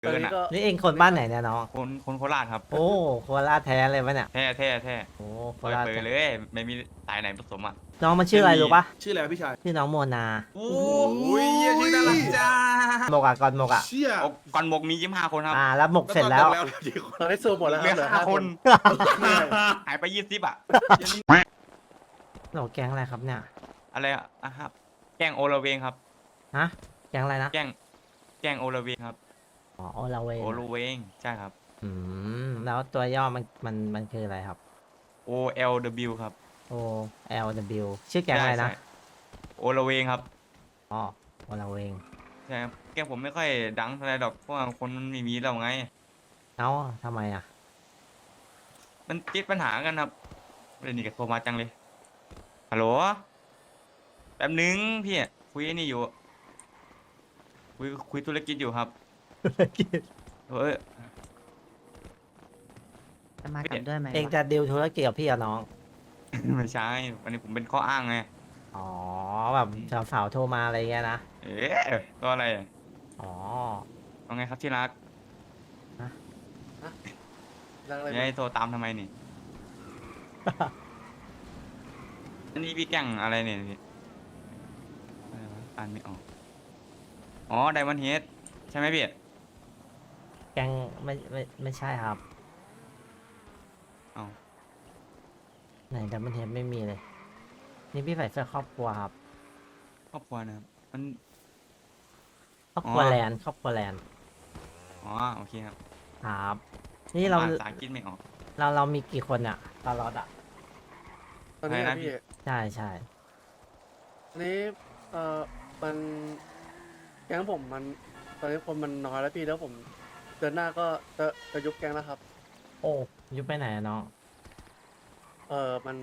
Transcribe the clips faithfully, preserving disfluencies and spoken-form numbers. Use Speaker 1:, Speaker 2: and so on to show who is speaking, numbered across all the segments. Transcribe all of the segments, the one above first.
Speaker 1: เกินอ่ะ
Speaker 2: นี่เองคนบ้านไหนเนี่ยน้อง
Speaker 1: คนคนโคราชครับ
Speaker 2: โอ้โคราชแท้เลยปะเนี่ย
Speaker 1: แท้แท้แท้
Speaker 2: โอ้โค
Speaker 1: เปิด
Speaker 2: ราช
Speaker 1: เปิด
Speaker 2: แท้
Speaker 1: เลย ไม่มีสายไหนผสมอ่ะ
Speaker 2: น้องมันชื่ออะไรรู้ปะ
Speaker 3: ชื่ออะไรวะพี่ชาย
Speaker 2: ชื่อน้องโมนา
Speaker 1: โอ้
Speaker 3: โอ้ยเหี้ยชื่อน่ารักจ้า
Speaker 2: หมกอะก่อนหมกอะ
Speaker 3: เชี่ย
Speaker 1: โอ้ก่อนหมกมียี่สิบห้าคนครับ
Speaker 2: อ่าแล้วหมกเสร็จแล้ว
Speaker 3: แล้วกี่คน
Speaker 4: ตอนนี้สูบหมดแล้วค
Speaker 1: เหลื
Speaker 4: รับ
Speaker 1: อ
Speaker 4: เหลือ
Speaker 1: ห้า
Speaker 4: ห้า
Speaker 1: ค
Speaker 4: คน น
Speaker 1: หายไปยี่สิบอ่ะ
Speaker 2: หนูแก๊งอะไรครับเนี่ย
Speaker 1: อะไรอ่ะอ่ะครับ แกล้งโอละเวงครับ
Speaker 2: ฮะแก๊งอะไรนะ
Speaker 1: แกล้งแกล้งโอละเวงครับ
Speaker 2: อ๋อโอลาเวง
Speaker 1: โอละเวงใช่ครับ
Speaker 2: อืมแล้วตัวย่อมันมันมันคืออะไรครับ
Speaker 1: O L W ครับ
Speaker 2: O L W ชื่อแก๊งอะไรนะ
Speaker 1: ใช่โอละเวงครับ
Speaker 2: อ๋อโอลาเวง
Speaker 1: ใช่ครับแกล้งผมไม่ค่อยดังเท่าไหรดอกเพราะว่าคนมันไม่มีเราไง
Speaker 2: เอ้าทำไมอะ
Speaker 1: มันติดปัญหากันครับเรื่องนี้ก็โทรมาจังเลย ฮัลโหล แป๊บนึงพี่คุยไอ้นี่อยู่ คุยคุยธุรกิจอยู่ครับเฮ้ย
Speaker 5: จะมากับด้วยไหม
Speaker 2: เองจะดิวธุรกิจกับพี่กับน้อง
Speaker 1: ไม่ใช่ วันนี้ผมเป็นข้ออ้างไง
Speaker 2: อ๋อแบบสาวๆโทรมาอะไรเงี้ยนะ
Speaker 1: เอ๊ะก็อะไร
Speaker 2: อ๋อ
Speaker 1: ว่าไงครับที่รัก
Speaker 4: รักอะไร
Speaker 1: ยายโทรตามทำไมนี่ อันนี้พี่แกล้งอะไรเนี่ยพี่อะไรวะอ่านไม่ออก อ๋อไดมอนด์เฮดใช่ไหมพี่
Speaker 2: แก๊งไม่ไม่ไม่ใช่ครับ
Speaker 1: เอา
Speaker 2: ไหนแต่มันเห็นไม่มีเลย นี่พี่ใส่เสื้อครอบครัวครับ
Speaker 1: ครอบครัวนะครับ มัน
Speaker 2: ครอบครัว
Speaker 1: อ๋อ
Speaker 2: แลนด์ครอบครัวแลนด์
Speaker 1: อ๋อโอเคครับ
Speaker 2: ครับ นี่เรา
Speaker 1: อ่านภาษาอังกฤษไม่ออก
Speaker 2: เราเรามีกี่คนอะตลอดอะ
Speaker 4: ตอนนี้
Speaker 1: อะไรนะ
Speaker 4: นะ
Speaker 1: พี่
Speaker 4: พี่
Speaker 2: ใช่ใช่
Speaker 4: ตอนนี้เอ่อมันแก๊งผมมันตอนนี้คนมันน้อยแล้วพี่แล้วผมเดือนหน้าก็จะจะยุบแก๊งแล้วครับ
Speaker 2: โอ้ยุบไปไหนอะน้อง
Speaker 4: เออมัน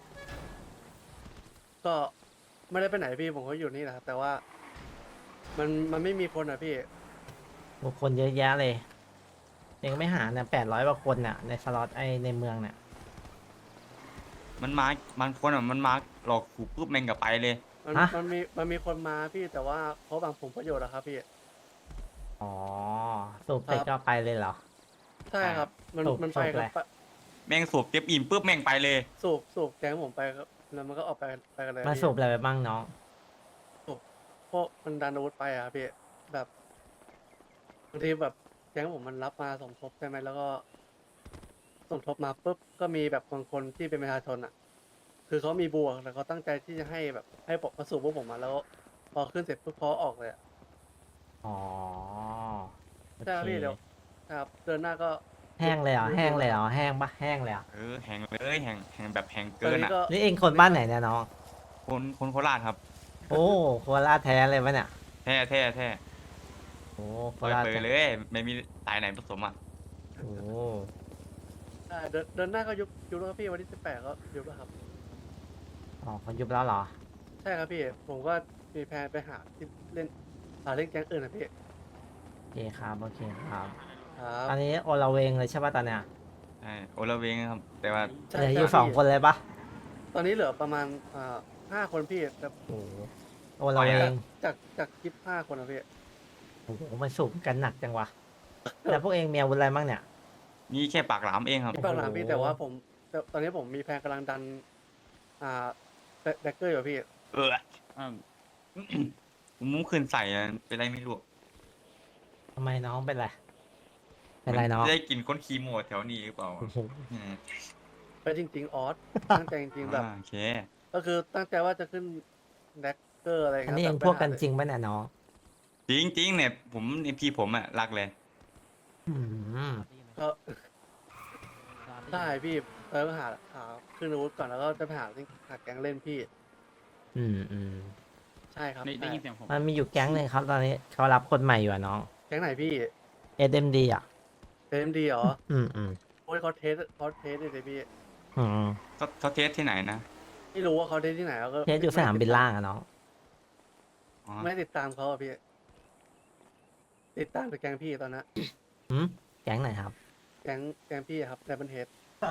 Speaker 4: ก็ไม่ได้ไปไหนพี่ผมก็อยู่นี่แหละครับแต่ว่า มันมันไม่มีคนอ่ะพี่
Speaker 2: บุคคลเยอะแยะเลยเองไม่หาเนี่ยแปดร้อยกว่าคนน่ะในสล็อตไอในเมืองเนี่ย
Speaker 1: มันมาบางคนอ่ะมันมาหลอกขู่ปุ๊บแม่งกับไปเลย
Speaker 4: มันมันมีมันมีคนมาพี่แต่ว่าเขาบางผลประโยชน์อะครับพี่
Speaker 2: อ๋อสูบเสร็จก็ไปเลยเหรอ
Speaker 4: ใช่ครับ มัน
Speaker 2: สูบ
Speaker 4: มันไป
Speaker 2: สูบ
Speaker 4: ค
Speaker 2: อะไร
Speaker 4: รับ
Speaker 1: แม่งสูบเต็มอิ่มปุ๊บแม่งไปเลย
Speaker 4: สูบสูบแก๊งผมไปครับแล้วมันก็ออกไปไปกันเลย
Speaker 2: มา
Speaker 4: พี่
Speaker 2: สูบอะไรไปบ้างน้อง
Speaker 4: พวกมันดันอาวุธไปอะพี่แบบบางทีแบบแก๊งผมมันรับมาสมทบใช่ไหมแล้วก็สมทบมาปุ๊บก็มีแบบบางคนที่เป็นประชาชนอะคือเขามีบวกแต่เขาตั้งใจที่จะให้แบบให้ปกมาสู่พวกผมมาแล้ว พอขึ้นเสร็จปุ๊บเขาออกเลยอะ
Speaker 2: อ๋อโอ
Speaker 4: ใช่ครับ
Speaker 2: เค
Speaker 4: พี่เดี๋ยวครับเดือนหน้าก็
Speaker 2: แห้งเลยเหรอแห้งเลยเหรอแห้งปะแห้งเลยเหรอ
Speaker 1: เออแหงเลยแหงแหงแบบแหง
Speaker 4: ตอ
Speaker 1: เกิ
Speaker 4: น
Speaker 1: น
Speaker 4: นี้
Speaker 1: อ่ะ
Speaker 4: ก็
Speaker 2: นี่เองคนบ้านไหนเนี่ยน้อง
Speaker 1: คนคนโคราชครับ
Speaker 2: โอ้โคราชแท้เลยปะเนี่ย
Speaker 1: แท้แท้แท้
Speaker 2: โอ้โค
Speaker 1: เปิด
Speaker 2: ราช
Speaker 1: เปิด
Speaker 2: แท้
Speaker 1: เลย ไม่มีสายไหนผสมอ่ะ
Speaker 2: โอ้
Speaker 4: อ่าเดือนเดือนหน้าก็ยุบยุบแล้วครับพี่วันที่สิบแปดก็ยุบแล้วครับ
Speaker 2: อ๋อเขายุบแล้วเหรอ
Speaker 4: ใช่ครับพี่ ผมก็มีแพลนไปหาที่เล่นหาเล่นแก๊งอื่นนะพี่
Speaker 2: โอเคครับโอเคครับ
Speaker 4: ครับ
Speaker 2: อันนี้โอลาเวงเลยใช่ปะตอนเนี้ย
Speaker 1: ใช่โอละเวงครับ แต่ว่า
Speaker 4: ใช่
Speaker 2: เหลืออ
Speaker 4: ใช่
Speaker 2: ยู่สอง
Speaker 4: พี่
Speaker 2: คนเลยปะ
Speaker 4: ตอนนี้เหลือประมาณอ่าห้าคนพี่แต่
Speaker 2: โอ้โหโอลาเวง
Speaker 4: จากจากยี่สิบห้าคนนะพี่
Speaker 2: โอ้โหมันสูงกันหนักจังวะแล้วพวกเองมีอาวุธอะไรบ้างเนี่ย
Speaker 1: มีแค่ปากหลามเองครับ
Speaker 4: ที่ปากหลามพี่
Speaker 2: โอ้โห
Speaker 4: แต่ว่าผมแต่ตอนนี้ผมมีแพลนกำลังดัน อ่าแดกเกอร์อยู่พี่
Speaker 1: เอออืมผมมุ้งคืนใส่อะเป็นไรไม่รู้
Speaker 2: ทำไมน้องเป็นไรเป็นไรน้อง
Speaker 1: ได้กินคนคีโมแถวนี้หรือเปล่า
Speaker 2: โอ้โห
Speaker 1: อืม
Speaker 4: ไปจริง ๆ ออส ตั้งใจจริง ๆ แบบ
Speaker 1: อ่าโอเค
Speaker 4: ก็คือตั้งใจว่าจะขึ้นแดกเกอร์อะไร
Speaker 2: อัน
Speaker 4: เงี้ย
Speaker 2: นี้เอง
Speaker 4: แต่
Speaker 2: พวก
Speaker 4: ไปหา
Speaker 2: กันจริงปะเนี่ยน้อง
Speaker 1: จริงจริงๆเนี่ยผมในพี่ผมอ่ะรักเลย
Speaker 2: อืม
Speaker 4: ก็ได้พี่เออหาหาขึ้นอาวุธก่อนแล้วก็จะไปหาหาแก๊งเล่นพี่
Speaker 2: อืมอืม
Speaker 4: ใช่ครับ
Speaker 6: ได้ได้
Speaker 4: ใช่
Speaker 6: ยินเสียงผม
Speaker 2: มันมีอยู่แก๊งหนึ่งครับตอนนี้เขารับคนใหม่อยู่อะน้อง
Speaker 4: แก๊งไหนพี่
Speaker 2: เอ เอ็ม ดี อ่ะ
Speaker 4: เอ็มดีเหรอ
Speaker 2: อืมอืม
Speaker 4: โอ้ยเขาเทสเขาเทสเลยพี่
Speaker 2: อืม
Speaker 1: เขาเขาเทสที่ไหนนะ
Speaker 4: ไม่รู้ว่าเขาเทสที่ไหนแล้วก็
Speaker 2: เทสอยู่สนามบินล่างอะน้อง
Speaker 1: อ๋อ
Speaker 4: ไม่ติดตามเขาอะพี่ ติดตามแต่แก๊งพี่ตอนนั้น
Speaker 2: หืมแก๊งไหนครับ
Speaker 4: แก๊งแก๊งพี่อะครับแต่เป็นเทส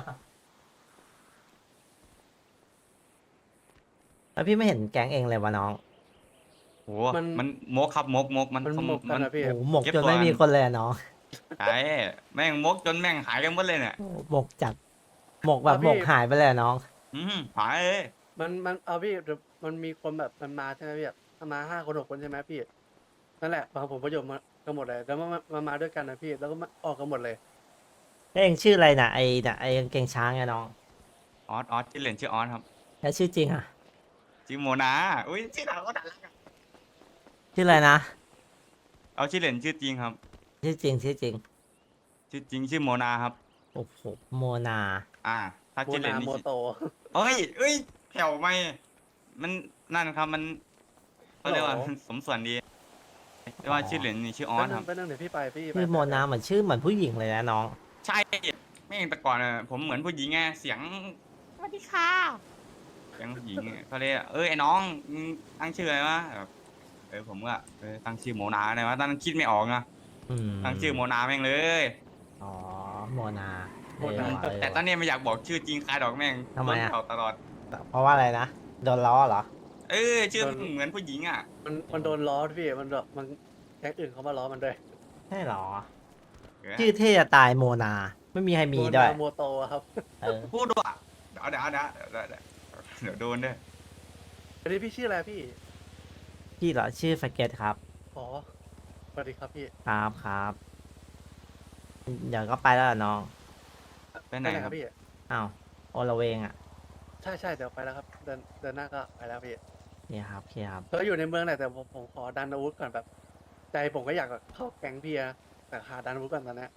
Speaker 2: แล้วพี่ไม่เห็นแก๊งเองเลยวะน้อง
Speaker 1: โหมันมกครับมกมกมัน
Speaker 4: มัน
Speaker 1: เขา
Speaker 4: หมกกัน
Speaker 1: มัน
Speaker 4: นะพี่
Speaker 2: โอ้โหหมก
Speaker 1: เก็บ
Speaker 2: จน
Speaker 1: ตัว
Speaker 2: ไม่มีคนเลยอะน้อง
Speaker 1: ใช่แม่งมกจนแม่งหายกันหมดเลยเนี่ย
Speaker 2: โอ้หมกจัดหมกแบบหมกหายไปเลยอะน้อง
Speaker 1: อืมหายเลย
Speaker 4: มันมันเอาพี่เดี๋ยวมันมีคนแบบมันมาใช่ไหมพี่แบบมาห้าคนหกคนใช่ไหมพี่นั่นแหละบางผมประโยชน์มากันหมดเลยแล้วมันมามาด้วยกันนะพี่แล้วก็มาออกกันหมดเลย
Speaker 2: แล้วเองชื่ออะไรนะไอ้น่ะไอ้กางเกงช้างไงน้อง
Speaker 1: ออสออสชื่อเล่นชื่อออสครับ
Speaker 2: แล้วชื่อจริงอ่ะ
Speaker 1: ชื่อโมนาอุ้ยชื่อเราก็น่ารักอะ
Speaker 2: ชื่ออะไรนะ
Speaker 1: เอาชื่อเล่นชื่อจริงครับ
Speaker 2: ชื่อจริงชื่อจริง
Speaker 1: ชื่อจริงชื่อโมนาครับ
Speaker 2: โอ้โหโมนา
Speaker 1: อ่า ถ้า
Speaker 4: โม
Speaker 1: ชื่อเล่
Speaker 4: นาน
Speaker 1: นี่
Speaker 4: โม
Speaker 1: ชื่อ
Speaker 4: โต
Speaker 1: เอ้ยเอ้ยแผ่วไหมมันนั่นครับมันเขาเรียกว่า
Speaker 4: ฮัลโหล
Speaker 1: สมส่วนดีแต่ว่าชื่อเล่นนี่ชื่อออ
Speaker 4: แป๊บ
Speaker 1: ส
Speaker 4: นึ
Speaker 1: ค
Speaker 4: ง
Speaker 1: รับ
Speaker 4: แป๊บนึงเดี๋ยวพี่ไปพี่ไป
Speaker 2: ชื่อโมนาเหมือนชื่อเหมือนผู้หญิงเลยนะน้อง
Speaker 1: ใช่แม่งแต่ก่อนอะผมเหมือนผู้หญิงไงเสียงสวัสดีค่ะเสียงผู้หญิงอะเขาเรียกเอ้ยไอ้น้องมึงตั้งชื่ออะไรวะแบบเออผมก็เออตั้งชื่อโมนาอะไรวะตอนนั้นคิดไม่ออกอะ
Speaker 2: อืม
Speaker 1: ตั้งชื่อโมนาแม่งเลย
Speaker 2: อ๋อโมนาเออ
Speaker 1: แต่
Speaker 2: ว่ะ
Speaker 1: แต่ตอนนี้ไม่อยากบอกชื่อจริงคายดอกแม่ง
Speaker 2: ทำไมอะ
Speaker 1: โดนเผาตลอด
Speaker 2: เพราะว่าอะไรนะโดนล้อเหรอ
Speaker 1: เออชื่อเหมือนผู้หญิงอ่ะ
Speaker 4: มันมันโดนล้อพี่มันแบบมันแก๊งอื่นเขามาล้อมันด้วย
Speaker 2: ใช่เหรอ
Speaker 1: เออ
Speaker 2: ชื่อเท่จะตายโมนา ไม่มีใครมี
Speaker 4: โม
Speaker 2: ด้วย
Speaker 4: นาโมโตอะครับ
Speaker 2: เออ
Speaker 1: พูดด้วยเดี๋ยวเดี๋ยวเดี๋ยวเดี๋ยวเดี๋ยวเดี๋ยวโดนด้วย
Speaker 4: อันนี้พี่ชื่ออะไรพี่
Speaker 2: พี่เหรอชื่อสเก็ตครับ
Speaker 4: อ๋อสวัสดีครับพี่
Speaker 2: ครับครับ เดี๋ยวก็ไปแล้วเหรอน้อง
Speaker 1: ไปไหนครับ
Speaker 4: พี่
Speaker 2: อ้าวโอละเวงอ่ะ
Speaker 4: ใช่ใช่เดี๋ยวไปแล้วครับเดินเดินหน้าก็ไปแล้วพี่
Speaker 2: เนี่ยครับโอเคครับ
Speaker 4: ก็อยู่ในเมืองแหละแต่ผมผมขอดันอาวุธก่อนแบบ ใจผมก็อยากแบบเข้าแก๊งพี่นะแต่หาดันอาวุธก่อนตอนนี้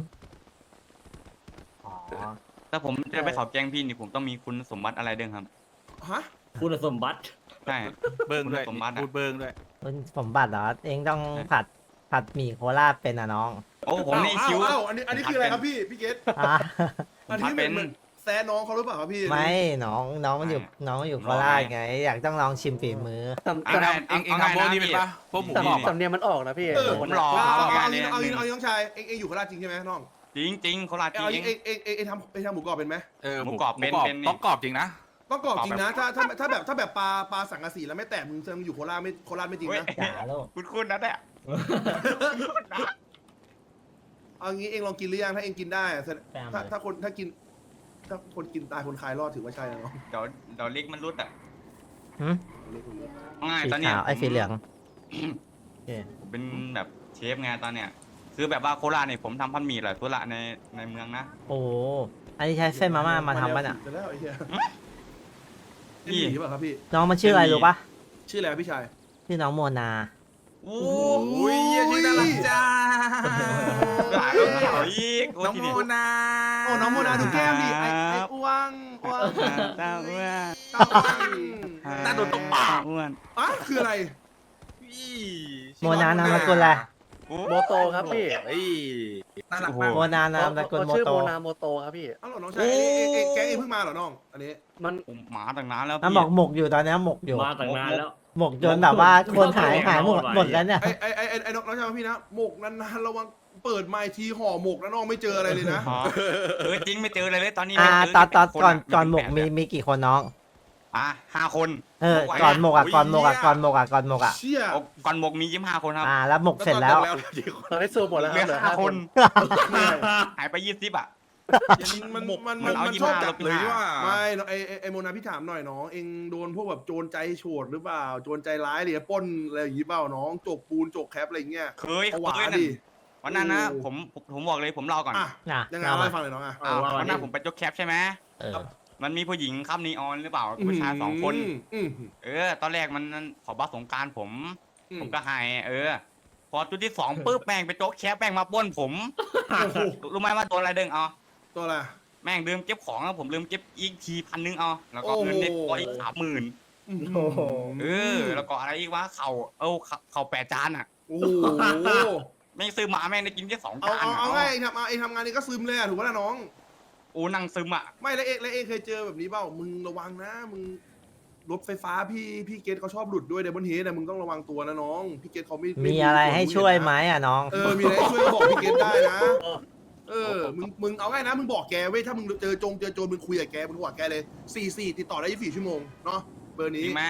Speaker 2: อ๋อ
Speaker 1: ถ้าผมจะไปเขาแกล้งพี่นี่ผมต้องมีคุณสมบัติอะไรด้วยครับ
Speaker 3: ฮะ
Speaker 5: คุณสมบัติ
Speaker 1: ใช่
Speaker 3: เบิ้งด้วย
Speaker 1: คุณสมบัติอะ
Speaker 3: พูดเบิ้งด้วย
Speaker 2: คุณสมบัติเหรอ เองต้องผัดผัดหมี่โคราชเป็นอ่ะน้อง
Speaker 1: โอ้ผมนี่
Speaker 3: อ้าว
Speaker 1: คิ้ว
Speaker 3: อ้าวอันนี้อันนี้คืออะไรครับพี่พี่เกต
Speaker 2: อ่ะ
Speaker 3: อันนี้เหมือนเหมือนแซะน้องเขาหรือเปล่าครับพี่
Speaker 2: ไม่น้องน้องมันอยู่น้องมันอยู่โคราชไง อยากต้องลองชิมฝีมือ
Speaker 4: สำ
Speaker 1: เอา
Speaker 4: สำ
Speaker 1: ไง
Speaker 3: เองเองทำพวกนี้เป็นปะพวกหมู
Speaker 4: สำ
Speaker 3: กรอบ
Speaker 4: สำเนียงมันออกนะพี่
Speaker 3: เออ
Speaker 1: ผมรอ
Speaker 3: เอาเอา
Speaker 1: เอา
Speaker 3: เอา
Speaker 1: ไง
Speaker 3: เอา
Speaker 1: เนี่ย
Speaker 3: เอาเอาน้องชายเองเองอยู่โคราชจริงใช่ไหมน้อง
Speaker 1: จริงจริงๆโคราชจ
Speaker 3: เอา
Speaker 1: ริ
Speaker 3: เอง งเองเองเองเองทำเองทำหมูกรอบเป็นไหม
Speaker 6: เออ
Speaker 1: หมูกรอบเป็น
Speaker 6: หมู
Speaker 1: เป็นนี่
Speaker 6: ต้องกรอบจริงนะ
Speaker 3: ต้องกรอบจริงนะถ้าถ้าถ้าแบบถ้าแบบปลาปลาสังกะสีแล้วไม่แตกมึงแสดงมึงอยู่โคราชไม่โคราชไม่จริง
Speaker 1: เฮ้ย
Speaker 3: นะ
Speaker 2: จ๋าลูก
Speaker 1: คุณคุณนะเนี่ย
Speaker 3: เอางี้เองลองกินหรือยังถ้าเองกินได้อะแสดง
Speaker 2: แปล
Speaker 3: ถ้า
Speaker 2: เลย
Speaker 3: ถ้าคนถ้ากินถ้าคนกินตายคนคายรอดถือว่าใช่นะน้อง
Speaker 1: เดี๋ยวเดี๋ยวเล็กมันรุดอ่ะ
Speaker 2: หึ
Speaker 1: ง่าย
Speaker 2: สี
Speaker 1: ตอนเนี้ย
Speaker 2: ขาวไอ้
Speaker 1: ผม
Speaker 2: สีเหลืองโอเค
Speaker 1: ผมเป็นแบบเชฟไงตอนเนี้ยคือแบบว่าโคราชเนี่ยผมทำพันหมี่หลายตัวละในในเมืองนะ
Speaker 2: โอ้โหอันนี้ใช้เส้นมาม่ามาทำป่ะเนี่ย
Speaker 3: ไปแล้วไอ้เหี้ย
Speaker 1: พี่
Speaker 3: พี่หรือเปล่าครับพี่
Speaker 2: น้องมันชื่ออะไรรู้ปะ
Speaker 3: ชื่ออะไรครับพี่ชาย
Speaker 2: ชื่อน้องโมนา
Speaker 1: โอ้
Speaker 3: อุ้ยชื่อน่ารักจ้า
Speaker 1: หลายแล้วหลายอีกโอ้
Speaker 3: น้อง
Speaker 1: ที
Speaker 3: โม
Speaker 1: นี้
Speaker 3: นา โอ้น้องโมนาดูแก้มดิไอ้ไอ้อ้วงอ้วง
Speaker 1: ตาอ้วน
Speaker 3: ตาอ้วง
Speaker 6: น่าโดนตบปาก
Speaker 1: อ้วน
Speaker 3: อ่ะคืออะไร
Speaker 2: โมนานามสกุลอะไร
Speaker 1: โอ้
Speaker 4: โมโตครับพี่
Speaker 6: เฮ้ยน่ารัก
Speaker 1: โอ้โห
Speaker 6: มาก
Speaker 2: โมนานามสกุล
Speaker 4: เขา
Speaker 2: โม
Speaker 4: ชื่อ
Speaker 2: โต
Speaker 4: โมนาโมโตครับพี่
Speaker 3: อ้าวเหรอน้องชายเอ้ยเอ้ยเอ้ยแก๊งเองเพิ่งมาเหรอน้อง อันนี้
Speaker 4: มัน
Speaker 1: ผมหมาตั้งนานแล้ว
Speaker 2: มัน
Speaker 1: พี่
Speaker 2: บอกหมกอยู่ตอนนี้หมกอยู่
Speaker 5: มาตั้งนานแล้ว
Speaker 2: หมกจนแบบว่าคนหายหายหมดหมดแล้วเนี่ย
Speaker 3: ไอ้ไอ้ไอ้ไอ้ไอ้น้องน้องชายพี่นะหมกนานๆระวังเปิดไมค์ทีห่อหมกนะน้องไม่เจออะไรเลยนะ
Speaker 1: อ๋อเออจริงไม่เจออะไรเลยตอนนี้
Speaker 2: อ่า
Speaker 1: ไม่เจ
Speaker 2: ตอนตอน
Speaker 1: ค
Speaker 2: ก่อน
Speaker 1: อะ
Speaker 2: ก่อนหมก
Speaker 1: เป็
Speaker 2: มี
Speaker 1: แปด
Speaker 2: มีกี่คนน้อง
Speaker 1: อ่ะห้าคน
Speaker 2: เออ
Speaker 1: ไหว
Speaker 2: ก่อนหมกอ่ะ
Speaker 3: โอ้ย
Speaker 2: ก่อนหมกอ่ะ
Speaker 3: เหี้ย
Speaker 2: ก่อนหมกอ่ะก่อนหมกอ่ะ
Speaker 3: เชี่ย
Speaker 1: โอ้ก่อนหมกมียี่สิบห้าคนครับ
Speaker 2: อ่าแล้วหมกเสร็จแล้ว
Speaker 6: แล้วกี่คน
Speaker 4: ตอนนี้สูบหมดแล้วค
Speaker 1: เหลื
Speaker 4: รับ
Speaker 1: อ
Speaker 4: เหลือ
Speaker 1: ห้า
Speaker 4: ห้า
Speaker 1: ค
Speaker 4: คน น
Speaker 1: หายไปยี่สิบอ่ะ
Speaker 3: มันมัน
Speaker 1: มั
Speaker 3: มัน
Speaker 1: นเอา
Speaker 3: มัน
Speaker 1: ยี่
Speaker 3: ช
Speaker 1: สิ
Speaker 3: อบบ
Speaker 1: ห้า
Speaker 3: จั
Speaker 1: ล
Speaker 3: บบ
Speaker 1: ยี่
Speaker 6: เล
Speaker 1: สิ
Speaker 6: ย
Speaker 1: บห้า
Speaker 6: ว่า
Speaker 3: ไม่น้องไอ้ไอ้ไอ้โมนาพี่ถามหน่อยน้อง เองโดนพวกแบบโจรใจโฉดหรือเปล่า โจรใจร้ายหรือปล้นอะไรอย่างงี้เปล่าน้องจกปูนจกแคปอะไรอย่างเงี้ย
Speaker 1: เคย
Speaker 3: เอาห
Speaker 1: เค
Speaker 3: วาย
Speaker 1: นั่น
Speaker 3: ดิ
Speaker 1: วันนั้นนะ
Speaker 3: โอ้
Speaker 1: ผมผมผมบอกเลยผมเล่าก่อน
Speaker 3: อ่ะ
Speaker 2: น่ะ
Speaker 3: ยังไง
Speaker 2: เอา
Speaker 3: เล่า
Speaker 2: มา
Speaker 3: ให้ฟังหน่อยน้องอ่ะ
Speaker 1: อ้าว
Speaker 5: ว่า
Speaker 1: วันนั้น
Speaker 5: ดิ
Speaker 1: ผมไปยกแคปใช่ไหม
Speaker 2: เออ
Speaker 1: มันมีผู้หญิงข้ามนีออนหรือเปล่ากับผู้ชายสองคน
Speaker 3: อืม
Speaker 1: เออ ตอนแรกมันขอบัตรสงกรารผม
Speaker 3: อืม
Speaker 1: ผมก็ให้เออ พอจุดที่สองปุ๊บแม่งไปโจ๊กแคปแม่งมาปล้นผม
Speaker 3: โอ้โห
Speaker 1: รู้ไหมว่าตัวอะไรเด้งเอา
Speaker 3: ตัวอะไร
Speaker 1: แม่งลืมเก็บของอะผมลืมเก็บอีกทีพันนึงเอาแล้วก็
Speaker 3: โอ้โห
Speaker 1: เงินเน็ตก็อีกสามหมื่น
Speaker 2: โอ้โห
Speaker 1: เออ แล้วก็อะไรอีกวะเข่าเออเข่าเข่าแปดจานอ่ะ
Speaker 3: โอ้โห
Speaker 1: แม่งซื้อหมาแม่งได้กินแค่สอง
Speaker 3: เอา
Speaker 1: จาน
Speaker 3: เอา
Speaker 1: อะ
Speaker 3: เอาไงเองทำเอาเองทำงานนี้ก็ซึมเลยอ่ะถูกป่ะล่ะน้อง
Speaker 1: โอ้นั่งซึมอ่ะ
Speaker 3: ไม่แล้วเองแล้วเองเคยเจอแบบนี้เปล่า มึงระวังนะ มึงรถไฟฟ้าพี่พี่เกตเขาชอบหลุดด้วยเดบนเฮดนะมึงต้องระวังตัวนะน้อง พี่เกตเขาไม่
Speaker 2: มีอะไรให้ช่วยไหมอ่ะน้อง
Speaker 3: เออ มีอะไรให้ช่วยก็บอกพี่เกตได้นะ เออ มึง มึงเอาง่ายนะ มึงบอกแกเว้ย ถ้ามึงเจอจงเจอโจรมึงคุยกับแกมึงบอกแกเลยสี่สี่ติดต่อได้ยี่สิบสี่ชั่วโมงเนาะ เบอร์
Speaker 1: จ
Speaker 3: นี้
Speaker 1: ริงไหม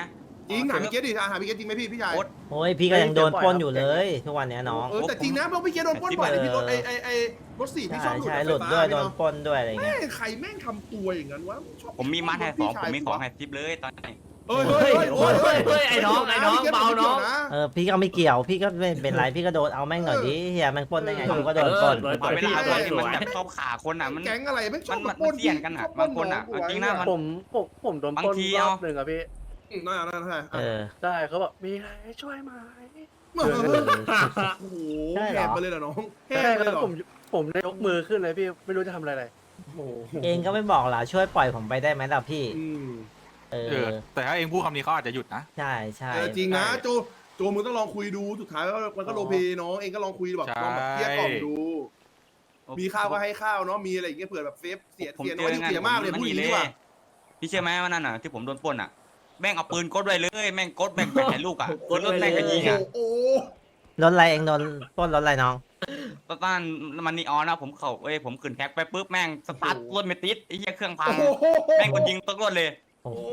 Speaker 3: จริงถามพี่เกตดิถามพี่เกตจริงไหมพี่พี่ชาย
Speaker 1: โอ๊ต
Speaker 2: โอ้ยพี่ก็ยังโดนปล้นอยู่เลยทุกวันเนี้ยน้อง
Speaker 3: เออแต่จริงนะเพราะพี่เกตโดนปล้นบ่อยเลยพี่รถไอไอไอรถสี่พี่ช
Speaker 2: ใช่
Speaker 3: อบหลุด
Speaker 2: ใช่
Speaker 3: ไฟ
Speaker 2: หลุด
Speaker 3: ฟ้า
Speaker 2: ด้วย
Speaker 3: พี่
Speaker 2: โดน
Speaker 3: เนาะ
Speaker 2: ปล้นด้วยอะไร
Speaker 3: แม่
Speaker 2: เงี้ย
Speaker 3: งใครแม่งทำตัวอย่างนั้นวะชอบ
Speaker 1: ผมมีมัดให้สอง
Speaker 3: พี่
Speaker 1: ผ
Speaker 3: ชาย
Speaker 1: มมีของให้ทิปเลยตอนนี้
Speaker 3: เฮ้ยเฮ้ยเฮ้ย
Speaker 5: เฮ้ยเฮ้ยเฮ้ยไอ้น้องไอ้น้องเบาน้อง
Speaker 2: เออพี่ก็ไม่เกี่ยวพี่ก็ไม่เป็นไรพี่ก็โดนเอาแม่งหน่อยดิเฮียแม่งปล้นได้ไงกูก็โดนปล้น
Speaker 5: เออ
Speaker 1: เอาเวลา
Speaker 5: ส
Speaker 1: ต
Speaker 5: ว
Speaker 1: อน
Speaker 5: ย
Speaker 1: ที่มันแบบชอบขาคนอ่ะมัน
Speaker 3: แก๊งอะไรแม่งชอบ
Speaker 1: มัน
Speaker 3: ปล้น
Speaker 1: มันเสี่ยงกันอะบางคนอะเอาจริงนะมัน
Speaker 4: ผมผมผมโดนปล้น
Speaker 1: บางที
Speaker 4: ร
Speaker 1: เอา
Speaker 4: อบหนึ่งอะพี่
Speaker 3: นั่นนั่นใช่
Speaker 2: เออ
Speaker 4: ได้เขาบอกมีอะไรให้ช่วยไหม
Speaker 3: โอ้โห
Speaker 2: ใช่เหรอ
Speaker 3: แหบไปเลยเหรอน้องแห
Speaker 4: ใช่
Speaker 3: บไป
Speaker 4: แล้
Speaker 3: เลยว เหรอ
Speaker 4: ผมผมได้ยกมือขึ้นเลยพี่ไม่รู้จะทำอะไรเลย
Speaker 3: โอ้โห
Speaker 2: เองก็ไม่บอกล่ะช่วยปล่อยผมไปได้ไหมล่ะพี่
Speaker 3: อืม
Speaker 2: เอ
Speaker 6: เออ
Speaker 2: อ
Speaker 6: แต่ถ้าเองพูดคำนี้เขาอาจจะหยุดนะ
Speaker 2: ใช่ใช่
Speaker 3: เออจริงนะโจโจมึงต้องลองคุยดูสุดท้ายมันก็โลเพน้องเองก็ลองคุยแบบ
Speaker 6: ใช่
Speaker 3: ลองแบบเกลี้ยกล่อมดู มีข้าวก็ให้ข้าวเนาะมีอะไรอย่างเงี้ยเผื่อแบบเซฟเสีย
Speaker 1: ผม
Speaker 3: เสีย
Speaker 1: เจ
Speaker 3: น้อย
Speaker 1: อ
Speaker 3: ที่
Speaker 1: งาน
Speaker 3: เสียมากเลย
Speaker 1: มัน
Speaker 3: พูดอ
Speaker 1: นี่
Speaker 3: ย่าง
Speaker 1: เล
Speaker 3: นี้ดีกว่า
Speaker 1: ยพี่เชื่อไหมว่านั่นน่ะที่ผมโดนปล้นอ่ะแม่งเอาปืนกดไว้เลยแม่งกดแม่งแปะลูกอ่ะ
Speaker 5: กด
Speaker 1: รถ
Speaker 5: ไว้
Speaker 1: แม่ง
Speaker 5: เลย
Speaker 1: ก็ยิงอ่ะ
Speaker 3: โอ้โห
Speaker 2: รถอะไรเองโดนปล้นรถอะไรน้อง
Speaker 1: ตอนนั้นมันนีออนนะผมเขาเอ้ยผมขึ้นแท็กไปปุ๊บแม่งสตาร์ทรถไม่ติดไอ้เหี้ยเครื่องพัง
Speaker 3: โอ้โห
Speaker 1: แม่งก็ยิงตกรถเลย
Speaker 2: โอ้โห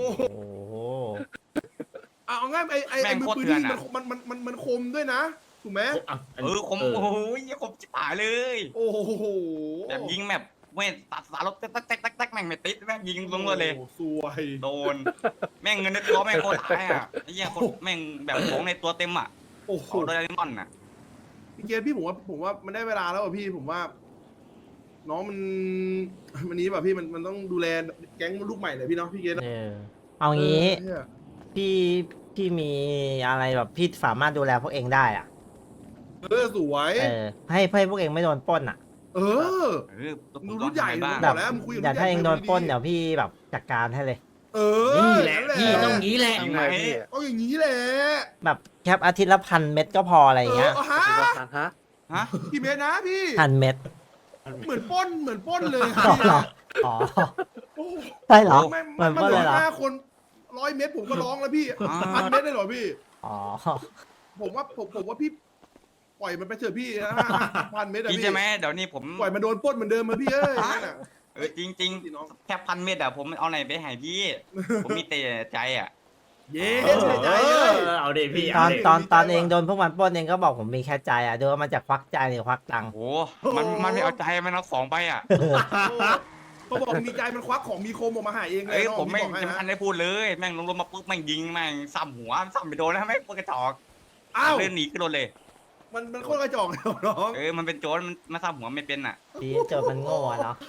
Speaker 3: เอาเอาง่ายไอ้ไอ้
Speaker 1: แม่
Speaker 3: ไอ้
Speaker 1: ง
Speaker 3: มือ
Speaker 1: โคตร
Speaker 3: ปืน
Speaker 1: เถื่อน
Speaker 3: นี่
Speaker 1: อะ
Speaker 3: มันมันมันมันคมด้วยนะถูกไหม
Speaker 5: อ่ะน
Speaker 1: เออคม
Speaker 5: เออ
Speaker 1: โอ้โหเหี้ยคมจิ๋หายเลย
Speaker 3: โอ้โห
Speaker 1: แบบยิงแบบเว้ยตัดสารรถแต๊กแต๊กแต๊กแต๊กแม่งไม่ติดแม่งยิงลงรถเลย
Speaker 3: โอ้โหสวย
Speaker 1: โดน แม่งเงินในตัวแม่งโคตรหายอ่ะไอ้เหี้ยโคตรแม่งแบบของในตัวเต็มอ่ะ
Speaker 3: โอ้โห
Speaker 1: ของโดเรมอนอ่ะ
Speaker 3: พี่เกศพี่ผมว่าผมว่ามันได้เวลาแล้วอ่ะพี่ผมว่า น้องมันวันนี้แบบพี่มันมันต้องดูแลแก๊งลูกใหม่หน่อยพี่เนาะพี่เกศ
Speaker 2: เออเอางี้
Speaker 3: เออเนี่ย
Speaker 2: พี่พี่มีอะไรแบบพี่สามารถดูแลพวกเองได้อ่ะ
Speaker 3: เออสวย
Speaker 2: เออให้ให้พวกเองไม่โดนปล้นอ่ะ
Speaker 3: เออ
Speaker 1: เออผม
Speaker 3: มึง
Speaker 1: ล
Speaker 3: รุ่
Speaker 1: อง
Speaker 3: นใหญ่
Speaker 1: ทำบ้าง
Speaker 3: มึงบอกแล้วมึงคุยกับ
Speaker 2: เดี๋ยวถ้าเองโดนปล้น
Speaker 3: ดีๆ
Speaker 2: เดี๋ยวพี่แบบจัดการให้เลย
Speaker 3: เออ
Speaker 5: นี่แหละ
Speaker 3: นั่น
Speaker 5: พี่ต้องงี้แหละ
Speaker 4: ทำไงพี่
Speaker 3: เอาอย่างนี้แหละ
Speaker 2: แบบแคปอาทิตย์ละพันเม็ดก็พออะไรอย่างเงี้ย
Speaker 3: เออฮะ
Speaker 4: คิดว่าทานฮะ
Speaker 1: ฮะ
Speaker 3: กี่เมตรนะพี่
Speaker 2: พันเม็ด
Speaker 3: เหมือนปล้นเหมือนปล้นเลย
Speaker 2: อ๋อเหรออ๋อ
Speaker 3: โอ้โห
Speaker 2: ใช่เหรอ
Speaker 3: แม่ง
Speaker 2: เหมือน
Speaker 3: มัน
Speaker 2: ปล้น
Speaker 3: เหลื
Speaker 2: เลย
Speaker 3: อ
Speaker 2: เหรอ
Speaker 3: ห้าคนร้อยเมตรผมก็ร้องแล้วพี่พันเมตรได้เหรอพี่
Speaker 2: อ๋อ
Speaker 3: ผมว่าผมผมว่าพี่ปล่อยมันไปเถอะพี่นะพันเมตรอะ
Speaker 1: พี่
Speaker 3: พี่
Speaker 1: ใช่ไหมเดี๋ยวนี้ผม
Speaker 3: ปล่อยมันโดนปล้นเหมือนเดิมมาพี่เอ้ยนั่นน่ะ
Speaker 1: เออจริงจริง
Speaker 3: พี่น้อง
Speaker 1: ๆแค่พันเม็ดอะผมเอาไหนไปให้พี่ ผมมีแต่ใจอะ
Speaker 3: เย้
Speaker 5: เอ
Speaker 3: เสียใจ
Speaker 5: อ
Speaker 3: เลย
Speaker 5: เอาดิพี่
Speaker 2: ต
Speaker 5: เอา
Speaker 2: อน
Speaker 5: ดิ
Speaker 2: ตอน
Speaker 3: ดีใจ
Speaker 2: ตอนเอง
Speaker 3: ว่ะ
Speaker 2: โดนพวกมันปล้นเองก็บอกผมมีแค่ใจอ่ะดูว่ามันจะควักใจหรือควักตังค์
Speaker 1: โอ้โหมันมันไม่เอาใจมันเอาของไปอะ
Speaker 3: พอบอกมีใจมันควักของมีคมออกมาหาเองเลย
Speaker 1: เอ้ย
Speaker 3: น้อง
Speaker 1: ผมไม่
Speaker 3: บอกให้
Speaker 1: ยัง
Speaker 3: นะ
Speaker 1: ทันได้พูดเลยแม่งลงรถมาปุ๊บแม่งยิงแม่งซ้ำหัวซ้ำไปโดนแล้วแม่งปืนกระจอก
Speaker 3: อ้าว
Speaker 1: เดินหนีขึ้นรถเลย
Speaker 3: มันมันโคตรกระจอกเลยน้อง
Speaker 1: เออมันเป็นโจรมันมาซ้ำหัวไม่เป็นอะ
Speaker 2: ดีเจอมันโง่อะเนาะ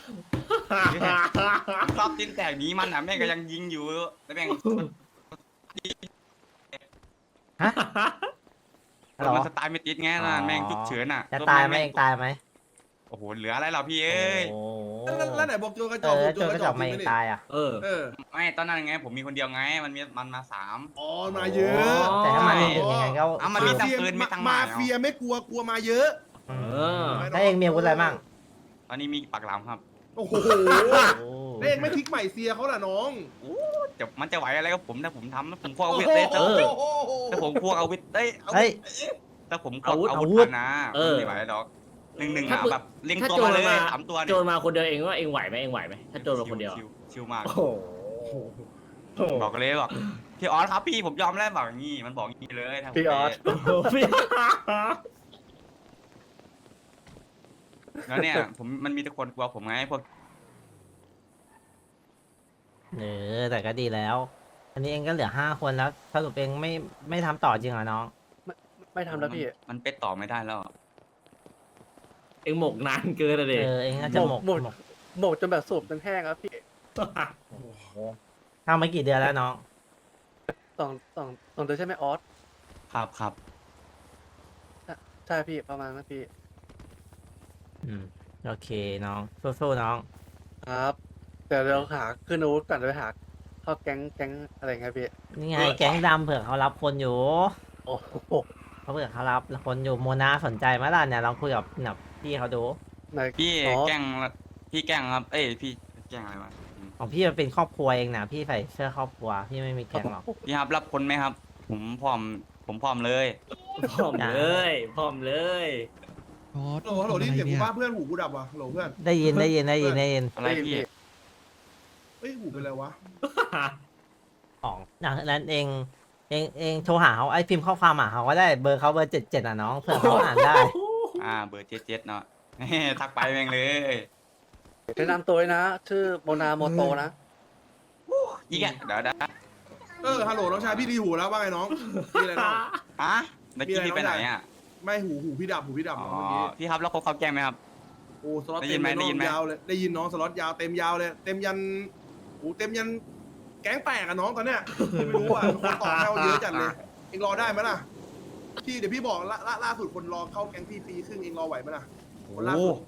Speaker 1: รอบติ้นแตกหนีมันอะแม่งก็ยังยิงอยู่แล้วแม่ง
Speaker 2: ฮะฮัลโหล
Speaker 1: มันสไตล์ไม่ติดไงนะแม่งฉุกเฉินอะ
Speaker 2: จะตายไหมเองตายไหม
Speaker 1: โอ้โหเหลืออะไรเราพี่เอ้ย
Speaker 2: โอ้
Speaker 3: แล้วแล้วไหนบอกโจรกระจ
Speaker 2: เอ
Speaker 3: อก
Speaker 2: อ
Speaker 3: โจ
Speaker 2: เจ
Speaker 3: ร
Speaker 2: อก ก
Speaker 3: ระ
Speaker 2: ระ
Speaker 3: จ
Speaker 2: จ
Speaker 3: อ
Speaker 2: อก ก
Speaker 3: จริ
Speaker 2: ไม่
Speaker 3: งไหม
Speaker 2: เอง
Speaker 3: เนี่ย
Speaker 2: ตายอ่ะ
Speaker 5: เออ
Speaker 3: เออ
Speaker 1: ไม่ตอนนั้นไงผมมีคนเดียวไงมันมีมันมาสาม
Speaker 3: อ๋อมาเยอะ
Speaker 5: อ๋อ
Speaker 2: แต่ถ้ามันหนึ่งยังไงก็
Speaker 1: อ่ะมันมีตังปืนมีตังหมาม
Speaker 3: าย เฟียไม่กลัวกลัวมาเยอะ
Speaker 5: เออ
Speaker 2: ถ้าเองมีอาวุธอะไรมั่ง
Speaker 1: ตอนนี้มีปากหลามครับ
Speaker 3: โอ้โห
Speaker 2: โอ้
Speaker 3: แล้วเองไม่พลิกใหม่เซียเขาล่ะน้อง
Speaker 1: จะมันจะไหวอะไรกับผมถ้าผมทำถ้าผมควงอา
Speaker 3: โอ้
Speaker 1: วุธ
Speaker 3: โห
Speaker 1: ได้ถ้า
Speaker 5: เออ
Speaker 1: ถ้าผมควงอาวุธได้อาวุ
Speaker 2: เฮ้ย
Speaker 1: ธถ้าผมควง
Speaker 5: อาวุธ
Speaker 1: อา
Speaker 2: อาวุ
Speaker 1: วุ
Speaker 2: ธ
Speaker 1: ธนะ
Speaker 5: เออ
Speaker 1: ไม่ไหวหรอกหนึ่งหนึ่ง
Speaker 5: ถ้า
Speaker 1: อ่ะ
Speaker 5: ปืน
Speaker 1: แบบเล็ง
Speaker 5: ถ้า
Speaker 1: ตัว
Speaker 5: โจร
Speaker 1: มาเลย
Speaker 5: มา
Speaker 1: สามตัว
Speaker 5: โจ
Speaker 1: เนี่ย
Speaker 5: รมาคนเดียวเองว่าเองไหวไหมเองไหวไหมถ้าโจรมาคนเดียว
Speaker 1: ชิวชิวมาก
Speaker 5: โอ้โห
Speaker 1: บอกเลยบอกพี่ออสครับพี่ผมยอมแล้วบอกอย่างนี้มันบอกอย่างนี้เลยถ้าผม
Speaker 4: พี่ออส
Speaker 5: พี่
Speaker 1: แล้วเนี่ยผมมันมีแต่คนกลัวผมไงพวก
Speaker 2: เออแต่ก็ดีแล้ว อันนี้เองก็เหลือห้าคนแล้วสรุปเองไม่ไม่ทำต่อจริงเหรอน้อง
Speaker 4: ไม่ทำแล้วพี่
Speaker 1: มันเป็นต่อไม่ได้แล้ว
Speaker 5: เองหมกนานเกินเลย
Speaker 2: เออเองน่าจะหมก
Speaker 4: หมก
Speaker 2: หมก
Speaker 4: หมกจนแบบสูบจนแห้งครับพี่
Speaker 2: ทำมากี่เดือนแล้วน้อง
Speaker 4: สองสองสองเดือนใช่ไหมออส
Speaker 1: ครับครับ
Speaker 4: ใช่พี่ประมาณนั้นพี่
Speaker 2: อืมโอเคน้องสู้ๆน้อง
Speaker 4: ครับเดี๋ยวเราหาขึ้นอาวุธก่อนเดี๋ยวไปหาเข้าแก๊งแก๊งอะไรเงี้ยพี่
Speaker 2: นี่ไงแก๊งดำเผื่อเขารับคนอยู่
Speaker 4: โอ้โห
Speaker 2: เขาเผื่อเขารับคนอยู่โมนาสนใจไหมล่ะเนี่ยลองคุยกับแบบพี่เขาดู
Speaker 4: ไหน
Speaker 1: พี่
Speaker 4: อ๋อ
Speaker 1: แกล้งพี่แกล้งครับ เอ้ยพี่แกล้งอะไรวะอืม
Speaker 2: ของพี่มันเป็นครอบครัวเองนะพี่ใส่เสื้อครอบครัวพี่ไม่มีแก๊งหรอก
Speaker 1: พี่ครับรับคนไหมครับ ผมพร้อมผมพร้อมเลย
Speaker 5: พร้อมเลยพร้อมเลย
Speaker 3: โหลโหลนี่เสียงกูว่าเพื่อนหูกูดับว่ะโหลเพื่อน
Speaker 2: ได้ยินได้ยินได้ยินได้ยิน
Speaker 1: อะไรพี่
Speaker 3: เอ้ยหูเป็นไรวะ
Speaker 2: ของอย่างนั้นเองเองเองโทรหาเขาไอ้พิมพ์ข้อความหาเขาก็ได้เบอร์เขาเบอร์เจ็ดเจ็ดอ่ะน้องเผื่อเขาอ่านได้
Speaker 1: อ่าเบอร์เจ็ดเจ็ดเนาะ ทักไปแม่งเลย
Speaker 4: แนะนำตัวด้วยนะ ชื่อโมนาโมโตนะ
Speaker 1: อีกอ่ะเดี๋ยวเดี๋ยว
Speaker 3: เออฮัลโหลน้องชายพี่ดีหูแล้วว่าไงน้องมีอะไรน้อง
Speaker 1: อ่ะเมื่อกี้พี่ไปไหนอ่ะ
Speaker 3: ไม่หูหูพี่ดับหูพี่ดับ
Speaker 1: อ๋อ
Speaker 3: น้องเมื่อกี้
Speaker 1: พี่ครับแล้วเขาเขาแกล้งไหมครับ
Speaker 3: โอ้สล็อต
Speaker 1: ได้ยิ
Speaker 3: เต็
Speaker 1: น
Speaker 3: ม
Speaker 1: ไหม
Speaker 3: เลย
Speaker 1: ได้ยินไหม
Speaker 3: น้องยาวเลยได้ยินน้องสล็อตยาวเต็มยาวเลย เต็มยันโอ้เต็มยันแก๊งแตกอะน้องตอนเนี้ยไม่รู้อ่ะคนต่อแถวเยอะจัดเลยเองรอได้ไหมล่ะพี่เดี๋ยวพี่บอกล่าล่าล่าสุดคนรอเข้าแก๊งพี่ปีครึ่งเองรอไหวไหมล่ะคนล่า
Speaker 1: โอ้
Speaker 3: สุด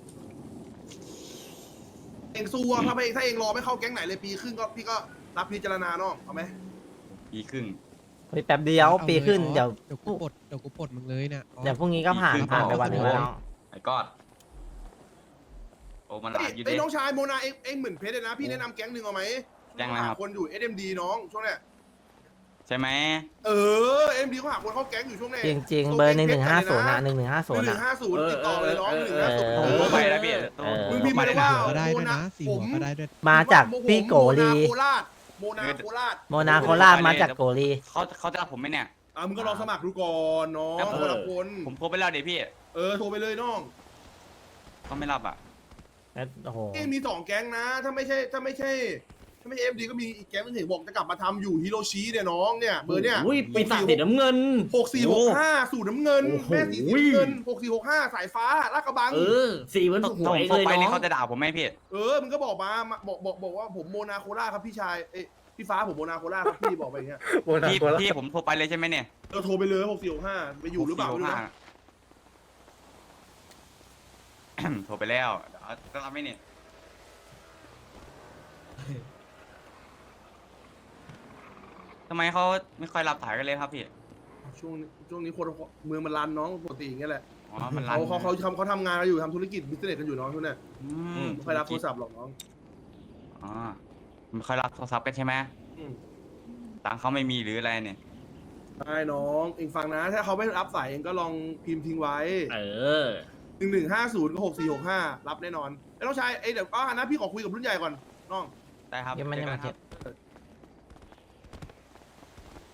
Speaker 3: เองสู้อะถ้าไม่ถ้าเองรอไม่เข้าแก๊งไหนเลยปีครึ่งก็พี่ก็รับพิจารณาน้องเอาไหม
Speaker 1: ปีครึ่ง
Speaker 2: เฮ้ยแป๊บเดียวปีขึ้นเดี๋ยว
Speaker 7: เดี๋ยวกูปลดเดี๋ยวกูปลดมึงเลยเนี่ย
Speaker 2: เดี๋ยวพรุ่งนี้ก็ผ่าน
Speaker 1: ปีครึ่ง
Speaker 2: ผ่านไป
Speaker 1: ก็
Speaker 2: วันหนึงแล้วน้อง
Speaker 1: ไอ้กอดโอ้มันหลายอยู่
Speaker 3: ไอ้
Speaker 1: ดิ
Speaker 3: น้องชายโมนาเองเองเหมือนเพชรเลยนะพี่แนะนำแก๊งหนึ่งเอาไหม
Speaker 1: แก๊งอะไรครับ
Speaker 3: หาคนอยู่ เอส เอ็ม ดี น้องช่วงเนี้ย
Speaker 1: ใช่ไหม
Speaker 3: เออ เอ็ม ดีเขาหาคนเข้าแก๊งอยู่ช่วงเนี้ย
Speaker 2: จริงจริงๆเบอร์หนึ่งหนึ่งห้าศูนย์นะหนึ่งหนึ่งห้า
Speaker 3: ห
Speaker 2: ศูนย์
Speaker 3: นึ่
Speaker 2: อ่ะ
Speaker 3: งห้าศูนย์ติดต่อเลยน้องหนึ่งห้าศูนย์
Speaker 2: เออ
Speaker 1: โอ้ไปแล้วพี่
Speaker 2: เออ
Speaker 3: มึงพิมพ์มาเลยว่า
Speaker 7: หัวก็ได้
Speaker 3: โม
Speaker 7: ด้วย
Speaker 3: นา
Speaker 7: นะสี่
Speaker 3: ผ
Speaker 7: หัว
Speaker 3: ม
Speaker 7: ก็ได้ด้วย
Speaker 2: มาจากพี่โกลี
Speaker 3: โมนาโคราชโมนาโคราช
Speaker 2: โมนาโคราชมาจากโกลี
Speaker 1: เขาเขาจะรับผมไหมเนี่ย
Speaker 3: อ่ะมึงก็ลองสมัครดูก่อนน้อง
Speaker 1: ครับ
Speaker 3: คนละคน
Speaker 1: ผมโทรไปแล้วเดี๋ยวพี่
Speaker 3: เออโทรไปเลยน้อง
Speaker 1: เขาไม่รับอ่ะ
Speaker 2: แล้วโอ้โห
Speaker 3: เอ้มีสองแก๊งนะ ถ้าไม่ใช่ถ้าไม่ใช่ถ้าไม่ใช่เอ็มดีก็มีอีกแก๊งนึงเห็นบอกจะกลับมาทำอยู่ฮิโรชิเนี่ยน้องเนี่ยเบอร์เนี่ย
Speaker 5: อุ้ยปีศาจสีน้ำเงิน
Speaker 3: หกสี่หกห้าสูตรน้ำเงิน
Speaker 5: โอ้โห
Speaker 3: แม่สีสีน้ำเงินหกสี่หกห้าสายฟ้าลาดกระบัง
Speaker 5: เออ สีเหมือน
Speaker 1: ถ้า
Speaker 5: ถูกห
Speaker 1: ผ
Speaker 5: ว
Speaker 1: ม
Speaker 5: ย
Speaker 1: โทร
Speaker 5: เลย
Speaker 1: ไปนี่
Speaker 5: เนาะ
Speaker 1: เขาจะด่าผมไหมพี่
Speaker 3: เออมึงก็บอกมามาบอกบอกบอกว่าผมโมนาโคล่าครับพี่ชายเอ้ยพี่ฟ้าผมโมนาโคล่าครับพี่บอกไปอย่างเงี้ย
Speaker 4: โมนา
Speaker 1: พี่
Speaker 4: โคราช
Speaker 1: พี่ผมโทรไปเลยใช่ไหมเนี่ย
Speaker 3: เราโทรไปเลยหกสี่หกห้าไปอยู่หรือเปล่าไม่รู้นะ
Speaker 1: โทรไปแล้วเดี๋ยวจะรับไหมเนี่ยทำไมเขาไม่ค่อยรับสายกันเลยครับพี่
Speaker 3: ช่วงนี้ช่วงนี้คนเมืองมันรันน้องปกติอย่างเงี้ยแหละ
Speaker 1: อ๋อมันรัน
Speaker 3: เขาเขาเขาทำเขาทำงานกันอยู่ทำธุรกิจบิสเนสกันอยู่น้องทุกเนี่ย
Speaker 1: อื
Speaker 3: ไม่ค่อยรับโทรศัพท์หรอกน้อง
Speaker 1: อ๋อไม่ค่อยรับโทรศัพท์กันใช่ไหม
Speaker 3: อืม
Speaker 1: ตังค์เขาไม่มีหรืออะไรเนี่ย
Speaker 3: ใช่น้องเองฟังนะ ถ้าเขาไม่รับสายเองก็ลองพิมพ์ทิ้งไว้
Speaker 5: เออ
Speaker 3: หนึ่งหนึ่งห้าศูนย์กับหกสี่หกห้ารับแน่นอนไอ้น้องชายไอ้ยเดี๋ยวก็นะพี่ขอคุยกับรุ่นใหญ่ก่อนน้อง
Speaker 1: ได้ครับ
Speaker 2: ยังไม่ได้มา
Speaker 1: จอ
Speaker 2: เก็
Speaker 1: กับ นครับ